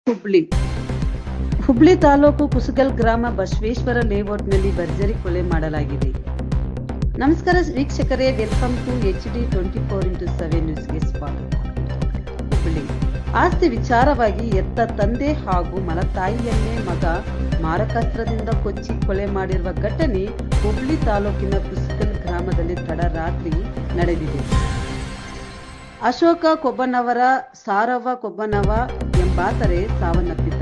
ಹುಬ್ಳಿ ಹುಬ್ಳಿ ತಾಲೂಕು ಕುಸುಗಲ್ ಗ್ರಾಮ ಬಸವೇಶ್ವರ ಲೇಔಟ್ನಲ್ಲಿ ಭರ್ಜರಿ ಕೊಲೆ ಮಾಡಲಾಗಿದೆ. ನಮಸ್ಕಾರ ವೀಕ್ಷಕರೇ, ವೆಲ್ಕಮ್ ಟು HD 24x7 ನ್ಯೂಸ್ಗೆ ಸ್ವಾಗತ. ಹುಬ್ಳಿ ಆಸ್ತಿ ವಿಚಾರವಾಗಿ ಎತ್ತ ತಂದೆ ಹಾಗೂ ಮಲತಾಯಿಯನ್ನೇ ಮಗ ಮಾರಕಾಸ್ತ್ರದಿಂದ ಕೊಚ್ಚಿ ಕೊಲೆ ಮಾಡಿರುವ ಘಟನೆ ಹುಬ್ಳಿ ತಾಲೂಕಿನ ಕುಸುಗಲ್ ಗ್ರಾಮದಲ್ಲಿ ತಡರಾತ್ರಿ ನಡೆದಿದೆ. ಅಶೋಕ ಕೊಬ್ಬನವರ, ಸಾರವ್ವ ಕೊಬ್ಬನವ ಎಂಬಾತರೆ ಸಾವನ್ನಪ್ಪಿದ್ದಾರೆ.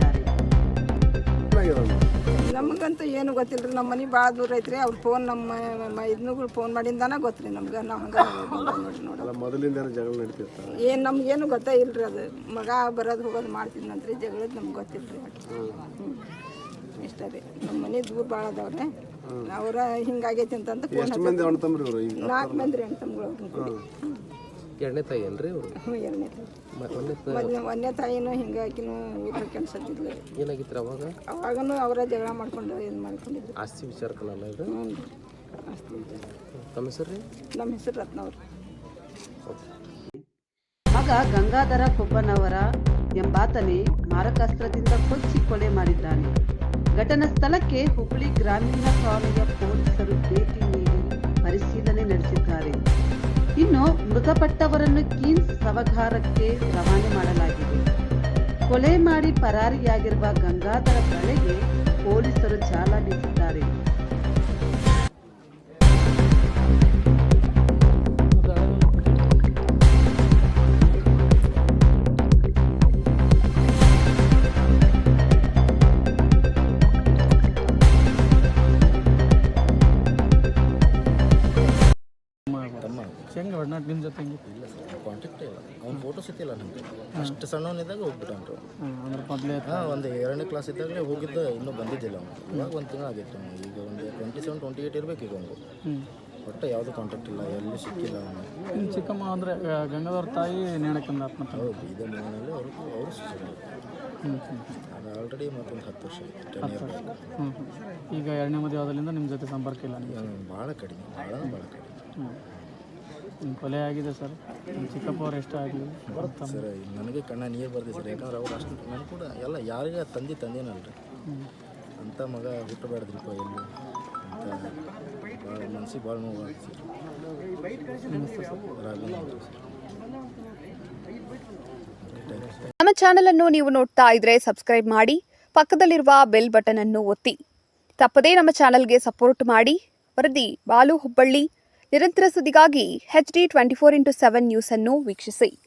ನಮಗಂತೂ ಏನು ಗೊತ್ತಿಲ್ಲ ರೀ. ನಮ್ಮ ಮನೆ ಭಾಳ ದೂರ ಐತ್ರಿ. ಅವ್ರ ಫೋನ್ ನಮ್ಮ ಇದನ್ನುಗಳು ಫೋನ್ ಮಾಡಿಂದಾನ ಗೊತ್ತ್ರಿ ನಮ್ಗೆ. ನಾವು ಹಂಗೆ ನೋಡಿ ಮೊದಲಿಂದ ಜಗಳ ನಡೀತಿರ್ತಾರೆ. ಏನು ನಮ್ಗೇನು ಗೊತ್ತೇ ಇಲ್ರಿ. ಅದು ಮಗ ಬರೋದು ಹೋಗೋದು ಮಾಡ್ತಿದ್ನಂತ್ರಿ. ಜಗಳದ ನಮ್ಗೆ ಗೊತ್ತಿಲ್ಲ ರೀ. ಇಷ್ಟ ರೀ. ನಮ್ಮ ಮನೆ ದೂರ ಭಾಳ ಅದಾವ್ರಿ. ಅವ್ರ ಹಿಂಗಾಗೈತಿ ಅಂತಂದು ಫೋನ್ 4 ಮಂದಿ ಅಣ್ಣ ತಮ್ಮರು. 4 ಮಂದಿ ಅಣ್ಣ ತಮ್ಮಗಳು. ಎರಡನೇ ತಾಯಿ ಅಲ್ರಿ ಅವರು? ಎರಡನೇ ತಾಯಿ. ಒಂದನೇ ತಾಯಿನೂ ಹಿಂಗಾಕಿನೂ ಊಟ ಕೆಲ್ಸತ್ತಿದ್ಲು. ಏನಾಗಿತ್ತು ಅವಾಗನೂ ಅವರ ಜಗಳ ಮಾಡ್ಕೊಂಡು ಏನು ಮಾಡ್ಕೊಂಡಿದ್ರು. ಆಸ್ತಿ ವಿಚಾರಕ್ಕಲ್ಲ ಇದು? ಹ್ಞೂ ರೀ, ಆಸ್ತಿ ವಿಚಾರ. ತಮ್ಮ ಹೆಸರು ರೀ? ನಮ್ಮ ಹೆಸರು ರತ್ನವ್ರು. ಮಗ ಗಂಗಾಧರ ಕೊಬ್ಬನವರ ಎಂಬಾತನೇ ಮಾರಕಾಸ್ತ್ರದಿಂದ ಕೊಚ್ಚಿ ಕೊಲೆ ಮಾಡಿದ್ದಾನೆ. ಘಟನಾ ಸ್ಥಳಕ್ಕೆ ಹುಬ್ಳಿ ಗ್ರಾಮೀಣ ಠಾಣೆಯ ಪೊಲೀಸರು ಭೇಟಿ ನೀಡಿ ಪರಿಶೀಲನೆ ನಡೆಸಿದ್ದಾರೆ. ಇನ್ನು ಮೃತಪಟ್ಟವರನ್ನು ಕೀನ್ಸ್ ಶವಾಗಾರಕ್ಕೆ ರವಾನೆ ಮಾಡಲಾಗಿದೆ. ಕೊಲೆ ಮಾಡಿ ಪರಾರಿಯಾಗಿರುವ ಗಂಗಾಧರ ಬಳೆಗೆ ಪೊಲೀಸರು ಜಾಲ ಬೀಸಿದ್ದಾರೆ. ಹೆಂಗೆ ಒಡನಾಟ ನಿಮ್ಮ ಜೊತೆ ಇಲ್ಲ ಸರ್, ಕಾಂಟ್ಯಾಕ್ಟ್ ಇಲ್ಲ. ಅವ್ನ ಫೋಟೋಸ್ ಇತ್ತಿಲ್ಲ ನಮಗೆ. ಅಷ್ಟು ಸಣ್ಣವನಿದ್ದಾಗ ಹೋಗ್ಬಿಟ್ಟನ್ರು. ಅಂದ್ರೆ ಮೊದಲೇ ಒಂದು 2ನೇ ಕ್ಲಾಸ್ ಇದ್ದಾಗಲೇ ಹೋಗಿದ್ದು, ಇನ್ನೂ ಬಂದಿದ್ದಿಲ್ಲ ಅವನು. ಇವಾಗ 1 ತಿಂಗಳು ಆಗಿತ್ತು. ಈಗ ಒಂದು 27-28 ಇರಬೇಕು ಈಗ ಅವನು. ಒಟ್ಟು ಯಾವುದೂ ಕಾಂಟ್ಯಾಕ್ಟ್ ಇಲ್ಲ, ಎಲ್ಲೂ ಸಿಕ್ಕಿಲ್ಲ ಅವನು. ನಿಮ್ಮ ಚಿಕ್ಕಮ್ಮ ಅಂದರೆ ಗಂಗಾಧರ ತಾಯಿ ನೇಣಕಂದ ಆತ್ಮಹತ್ಯೆ. ಹೌದು, ಇದೇ ಮನೆಯಲ್ಲಿ ಅವರು ಸುಧಾರ. ಅದು ಆಲ್ರೆಡಿ ಮತ್ತೊಂದು 10 ವರ್ಷ ಆಯಿತು, 10 ಇಯರ್ ಬ್ಯಾಕ್. ಈಗ 2ನೇ ಮದುವೆ ಆದಲ್ಲಿಂದ ನಿಮ್ಮ ಜೊತೆ ಸಂಪರ್ಕ ಇಲ್ಲ ನಿಮಗೆ? ಭಾಳ ಕಡಿಮೆ, ಭಾಳ ಕಡಿಮೆ. ನಿಮ್ಮ ಕೊಲೆ ಆಗಿದೆ ಸರ್. ನಿಮ್ಮ ಚಿಕ್ಕಪ್ಪ ಅವ್ರು ಎಷ್ಟು ಆಗಲಿ ಸರ್, ನನಗೆ ಕಣ್ಣ ನೀರು ಬರ್ದಿದೆ ಸರ್. ಯಾಕಂದ್ರೆ ಅವ್ರು ಅಷ್ಟು ನನಗೆ ಕೂಡ ಎಲ್ಲ ಯಾರಿಗೆ ತಂದೇನಲ್ರಿ ಅಂಥ ಮಗ ಹುಟ್ಟಬೇಡ್ದ್ರಿಪ್ಪ ಎಲ್ಲೂ ಅಂತ ಭಾಳ ಮನ್ಸಿಗೆ ಭಾಳ ನೋವು ಆಗ್ತದೆ ಸರ್. ನಮ್ಮ ಚಾನೆಲ್ ಅನ್ನು ನೀವು ನೋಡ್ತಾ ಇದ್ರೆ ಸಬ್ಸ್ಕ್ರೈಬ್ ಮಾಡಿ, ಪಕ್ಕದಲ್ಲಿರುವ ಬೆಲ್ ಬಟನ್ ಅನ್ನು ಒತ್ತಿ. ತಪ್ಪದೇ ನಮ್ಮ ಚಾನೆಲ್ಗೆ ಸಪೋರ್ಟ್ ಮಾಡಿ. ವರದಿ ಬಾಲು ಹುಬ್ಬಳ್ಳಿ. ನಿರಂತರ ಸುದ್ದಿಗಾಗಿ HD 24x7 ನ್ಯೂಸ್ ಅನ್ನು ವೀಕ್ಷಿಸಿ.